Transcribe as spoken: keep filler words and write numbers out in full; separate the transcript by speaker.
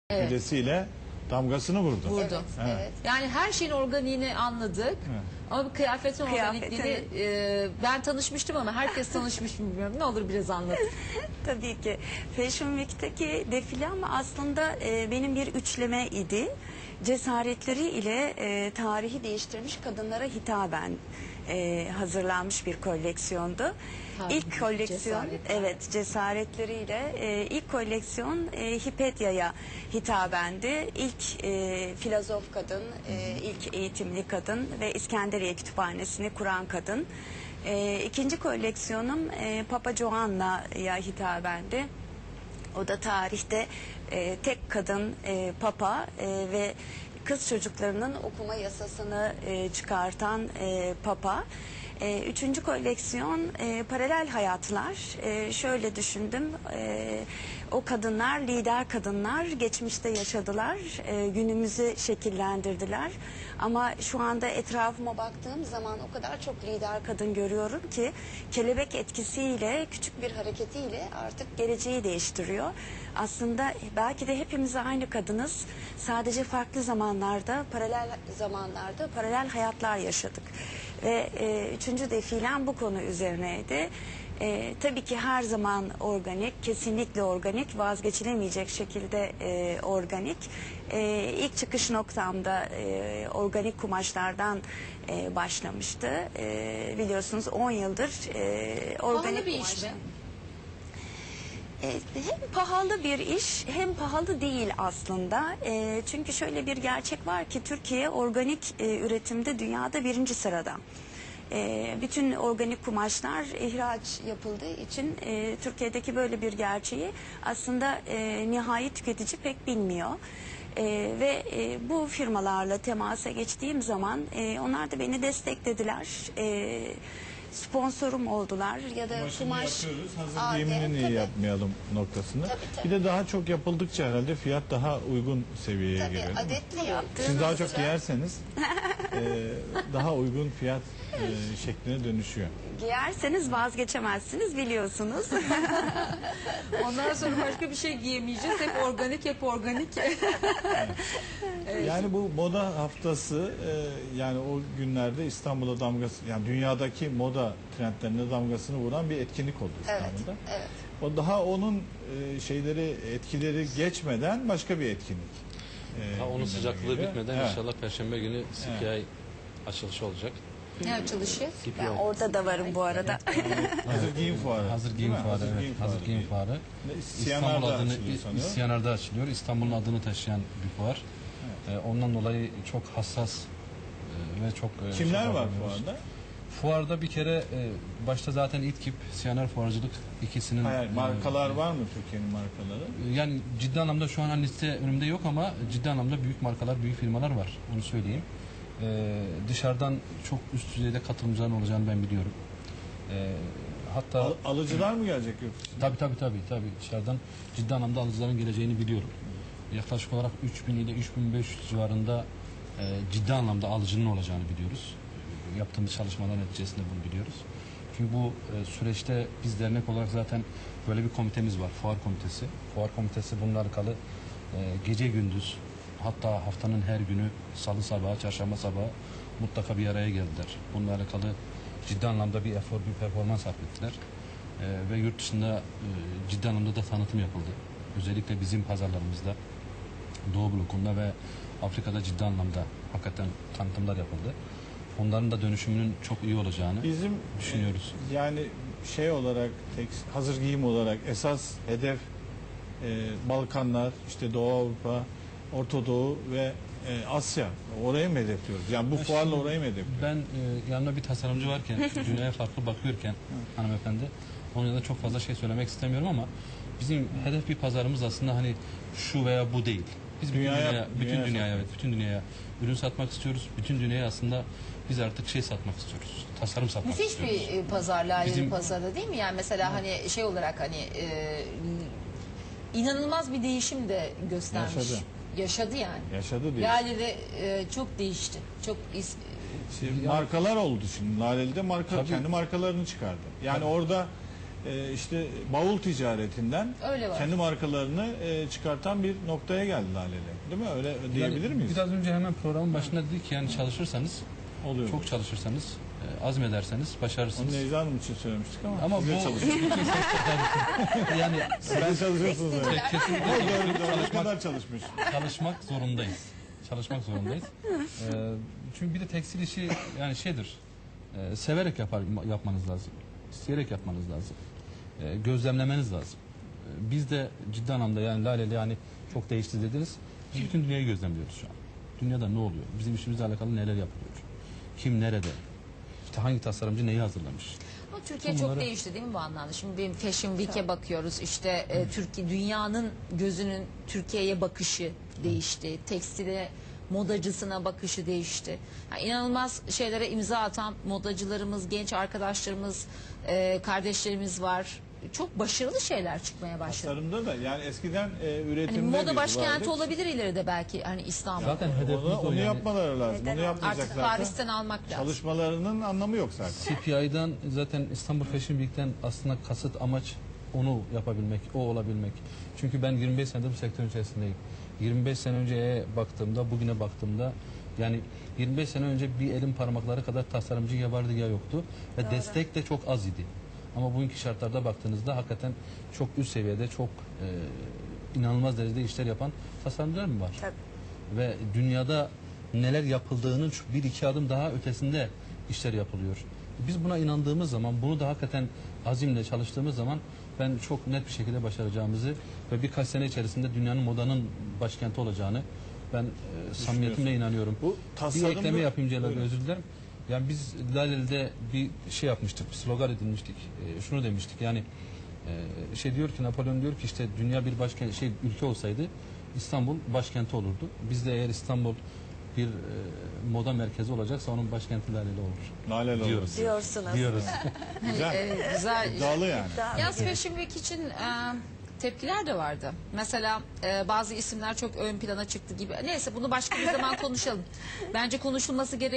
Speaker 1: Evet.
Speaker 2: Midesiyle damgasını vurdu.
Speaker 1: Vurdu.
Speaker 3: Evet,
Speaker 2: Evet.
Speaker 3: evet.
Speaker 1: Yani her şeyin organiğini anladık.
Speaker 2: Evet.
Speaker 1: Ama bu kıyafetin
Speaker 3: Kıyafetin-
Speaker 1: organikliğini e, ben tanışmıştım ama herkes tanışmış mı bilmiyorum. Ne olur biraz anlat.
Speaker 3: Tabii ki. Fashion Week'teki defilem aslında e, benim bir üçleme idi. Cesaretleri ile e, tarihi değiştirmiş kadınlara hitaben e, hazırlanmış bir koleksiyondu.
Speaker 1: Tarihi
Speaker 3: ilk koleksiyon,
Speaker 1: cesaretler.
Speaker 3: evet, cesaretleriyle e, ilk koleksiyon e, Hipetya'ya hitabendi. İlk e, filozof kadın, e, ilk eğitimli kadın ve İskenderiye Kütüphanesi'ni kuran kadın. E, ikinci koleksiyonum e, Papa Joanna'ya hitabendi. O da tarihte e, tek kadın e, papa e, ve kız çocuklarının okuma yasasını e, çıkartan e, papa. E, üçüncü koleksiyon e, paralel hayatlar. E, şöyle düşündüm, e, o kadınlar, lider kadınlar geçmişte yaşadılar, e, günümüzü şekillendirdiler. Ama şu anda etrafıma baktığım zaman o kadar çok lider kadın görüyorum ki kelebek etkisiyle, küçük bir hareketiyle artık geleceği değiştiriyor. Aslında belki de hepimiz aynı kadınız. Sadece farklı zamanlarda, paralel zamanlarda paralel hayatlar yaşadık. Ve e, üçüncü defilem bu konu üzerineydi. E, tabii ki her zaman organik, kesinlikle organik, vazgeçilemeyecek şekilde e, organik. E, ilk çıkış noktamda e, organik kumaşlardan e, başlamıştı. E, biliyorsunuz on yıldır e, organik
Speaker 1: Pahalı bir iş
Speaker 3: kumaşlar.
Speaker 1: mi?
Speaker 3: E, hem pahalı bir iş hem pahalı değil aslında. E, çünkü şöyle bir gerçek var ki Türkiye organik e, üretimde dünyada birinci sırada. E, bütün organik kumaşlar ihraç yapıldığı için e, Türkiye'deki böyle bir gerçeği aslında e, nihai tüketici pek bilmiyor. E, ve e, bu firmalarla temasa geçtiğim zaman e, onlar da beni desteklediler. E, sponsorum oldular ya da
Speaker 2: Kumaşını
Speaker 3: kumaş
Speaker 2: yapıyoruz, hazır
Speaker 3: Aa,
Speaker 2: giyimini
Speaker 3: evet,
Speaker 2: niye
Speaker 3: tabii.
Speaker 2: yapmayalım noktasında.
Speaker 3: Tabii, tabii.
Speaker 2: Bir de daha çok yapıldıkça herhalde fiyat daha uygun seviyeye
Speaker 3: Tabii,
Speaker 2: geliyor. değil mi?
Speaker 3: adetli yaptığımız
Speaker 2: Siz daha çok
Speaker 3: için
Speaker 2: giyerseniz e, daha uygun fiyat e, şekline dönüşüyor.
Speaker 3: giyerseniz vazgeçemezsiniz biliyorsunuz.
Speaker 1: Ondan sonra başka bir şey giyemeyeceğiz. Hep organik, hep organik.
Speaker 2: Yani bu moda haftası e, yani o günlerde İstanbul'a damgası, yani dünyadaki moda trendlerine damgasını vuran bir etkinlik oldu
Speaker 3: Evet,
Speaker 2: İstanbul'da.
Speaker 3: evet.
Speaker 2: O daha onun e, şeyleri, etkileri geçmeden başka bir etkinlik. e,
Speaker 4: Ha, onun
Speaker 2: gündeme
Speaker 4: sıcaklığı
Speaker 2: geliyor.
Speaker 4: bitmeden
Speaker 2: Evet.
Speaker 4: inşallah Perşembe günü C P I açılışı olacak.
Speaker 1: Ne açılışı?
Speaker 4: C P I.
Speaker 3: Ben orada da varım bu arada.
Speaker 2: Hazır giyim fuarı.
Speaker 5: Hazır
Speaker 2: değil
Speaker 5: giyim
Speaker 2: mi?
Speaker 5: fuarı, evet.
Speaker 2: giyim
Speaker 5: Hazır giyim
Speaker 2: değil.
Speaker 5: fuarı.
Speaker 2: Ne,
Speaker 5: İstanbul
Speaker 2: Siyanar'da
Speaker 5: adını
Speaker 2: açılıyor sanıyorum.
Speaker 5: Siyanar'da açılıyor. İstanbul'un adını taşıyan bir fuar. Ee, ondan dolayı çok hassas e, ve çok e,
Speaker 2: Kimler
Speaker 5: şey
Speaker 2: var
Speaker 5: yapıyoruz.
Speaker 2: fuarda?
Speaker 5: Fuarda bir kere e, başta zaten İTKİP, Siyanar Fuarcılık ikisinin
Speaker 2: Hayır,
Speaker 5: e,
Speaker 2: markalar var mı Türkiye'nin markaları?
Speaker 5: yani ciddi anlamda şu an liste önümde yok ama ciddi anlamda büyük markalar, büyük firmalar var. Onu söyleyeyim. Ee, dışarıdan çok üst düzeyde katılımcıların olacağını ben biliyorum. Ee, hatta
Speaker 2: Al- alıcılar mı gelecek yurt dışına?
Speaker 5: tabii tabii tabii tabii dışarıdan ciddi anlamda alıcıların geleceğini biliyorum. Yaklaşık olarak üç bin ile üç bin beş yüz civarında e, ciddi anlamda alıcının olacağını biliyoruz. Yaptığımız çalışmalar neticesinde bunu biliyoruz. Çünkü bu e, süreçte biz dernek olarak zaten böyle bir komitemiz var. Fuar komitesi. Fuar komitesi bununla alakalı e, gece gündüz, hatta haftanın her günü salı sabahı, çarşamba sabahı mutlaka bir araya geldiler. Bununla alakalı ciddi anlamda bir efor, bir performans sarf ettiler. E, ve yurt dışında e, ciddi anlamda da tanıtım yapıldı. Özellikle bizim pazarlarımızda, Doğu blokunda ve Afrika'da ciddi anlamda hakikaten tanıtımlar yapıldı. Onların da dönüşümünün çok iyi olacağını
Speaker 2: Bizim
Speaker 5: düşünüyoruz.
Speaker 2: e, yani şey olarak tek, hazır giyim olarak esas hedef e, Balkanlar, işte Doğu Avrupa, Orta Doğu ve e, Asya. Oraya mı hedefliyoruz? Yani bu
Speaker 5: Ya
Speaker 2: fuarla
Speaker 5: şimdi
Speaker 2: oraya mı hedefliyoruz?
Speaker 5: Ben e, yanımda bir tasarımcı varken, dünyaya farklı bakıyorken hanımefendi, onun yanında çok fazla şey söylemek istemiyorum ama bizim hedef bir pazarımız aslında hani şu veya bu değil. Biz bütün
Speaker 2: Dünyaya-
Speaker 5: dünyaya, bütün
Speaker 2: dünyaya
Speaker 5: dünyaya,
Speaker 2: satmak.
Speaker 5: evet, bütün dünyaya ürün satmak istiyoruz. Bütün dünyaya aslında biz artık şey satmak istiyoruz. Tasarım satmak
Speaker 1: Müthiş
Speaker 5: istiyoruz.
Speaker 1: bir e, pazar, layeli
Speaker 5: Bizim-
Speaker 1: pazarda değil mi? Yani mesela hani şey olarak hani e, inanılmaz bir değişim de göstermiş.
Speaker 2: Yaşadı.
Speaker 1: Yaşadı yani.
Speaker 2: Yaşadı diye.
Speaker 1: Lale'de e, çok değişti. Çok is-
Speaker 2: Şimdi markalar oldu şimdi. Laleli'de marka
Speaker 5: Tabii.
Speaker 2: kendi markalarını çıkardı. Yani orada e, işte bavul ticaretinden
Speaker 1: Öyle var.
Speaker 2: kendi markalarını e, çıkartan bir noktaya geldi Laleli. Değil mi? Öyle diyebilir
Speaker 5: Yani
Speaker 2: miyiz?
Speaker 5: Biraz önce hemen programın başında dedik ki yani çalışırsanız,
Speaker 2: Oluyor.
Speaker 5: çok çalışırsanız, e, azmederseniz
Speaker 2: Onu
Speaker 5: başarırsınız.
Speaker 2: Necla Hanım için söylemiştik ama,
Speaker 5: Ama bu
Speaker 2: siz de çalışıyorsunuz.
Speaker 5: bütün sektörler yani
Speaker 2: Siz de çalışıyorsunuz. Evet.
Speaker 5: kesinlikle
Speaker 2: Doğru, doğru. Ne
Speaker 5: çalışmak,
Speaker 2: kadar çalışmış.
Speaker 5: çalışmak zorundayız. Çalışmak zorundayız. Ee, çünkü bir de tekstil işi yani şeydir. e, severek yapar, yapmanız lazım. İsteyerek yapmanız lazım. E, gözlemlemeniz lazım. E, biz de ciddi anlamda yani Laleli yani çok değişti dediniz. Biz bütün dünyayı gözlemliyoruz şu an. Dünyada ne oluyor? Bizim işimizle alakalı neler yapılıyor? Kim nerede? İşte hangi tasarımcı neyi hazırlamış?
Speaker 1: Ama Türkiye
Speaker 5: Tüm
Speaker 1: çok
Speaker 5: bunları-
Speaker 1: değişti değil mi bu anlamda? Şimdi bir Fashion Week'e bakıyoruz. İşte e, Türkiye dünyanın gözünün Türkiye'ye bakışı değişti. Tekstile modacısına bakışı değişti. Yani inanılmaz şeylere imza atan modacılarımız, genç arkadaşlarımız, e, kardeşlerimiz var. Çok başarılı şeyler çıkmaya başladı.
Speaker 2: Tasarımda da yani eskiden e,
Speaker 1: Hani
Speaker 2: üretimde
Speaker 1: moda
Speaker 2: biz
Speaker 1: başkenti
Speaker 2: vardık.
Speaker 1: olabilir ileride belki hani İstanbul.
Speaker 5: Zaten hedefimiz
Speaker 2: Onu,
Speaker 5: o
Speaker 2: onu
Speaker 5: yani.
Speaker 2: yapmaları lazım.
Speaker 3: Neden
Speaker 2: Onu yapmayacak
Speaker 1: Artık
Speaker 2: zaten.
Speaker 1: Paris'ten almak lazım.
Speaker 2: Çalışmalarının anlamı yok zaten.
Speaker 5: C P I'den zaten İstanbul Fashion Week'ten aslında kasıt amaç onu yapabilmek, o olabilmek. Çünkü ben yirmi beş senedir bu sektörün içerisindeyim. yirmi beş sene önceye baktığımda, bugüne baktığımda yani yirmi beş sene önce bir elin parmakları kadar tasarımcı ya vardı ya yoktu. Ve destek de çok az idi. Ama bugünkü şartlarda baktığınızda hakikaten çok üst seviyede, çok e, inanılmaz derecede işler yapan tasarımcılar mı var?
Speaker 3: Tabii.
Speaker 5: Ve dünyada neler yapıldığının şu bir iki adım daha ötesinde işler yapılıyor. Biz buna inandığımız zaman, bunu da hakikaten azimle çalıştığımız zaman ben çok net bir şekilde başaracağımızı ve birkaç sene içerisinde dünyanın modanın başkenti olacağını ben e, samimiyetimle inanıyorum.
Speaker 2: Bu
Speaker 5: Bir
Speaker 2: tasarımda-
Speaker 5: ekleme yapayım Celal Bey,
Speaker 2: Buyurun.
Speaker 5: özür dilerim. Yani biz Laleli'de bir şey yapmıştık, bir slogan edinmiştik. E, şunu demiştik yani e, şey diyor ki Napolyon diyor ki işte dünya bir başkent şey ülke olsaydı İstanbul başkenti olurdu. Biz de eğer İstanbul bir e, moda merkezi olacaksa onun başkenti Laleli olur.
Speaker 2: Laleli olur.
Speaker 5: Diyoruz.
Speaker 3: Diyorsunuz.
Speaker 5: Diyoruz.
Speaker 2: Güzel.
Speaker 1: Evet, güzel.
Speaker 2: İddialı yani.
Speaker 3: Daha
Speaker 1: Yaz Fashion Week için e, tepkiler de vardı. Mesela e, bazı isimler çok ön plana çıktı gibi. Neyse bunu başka bir zaman konuşalım. Bence konuşulması gereken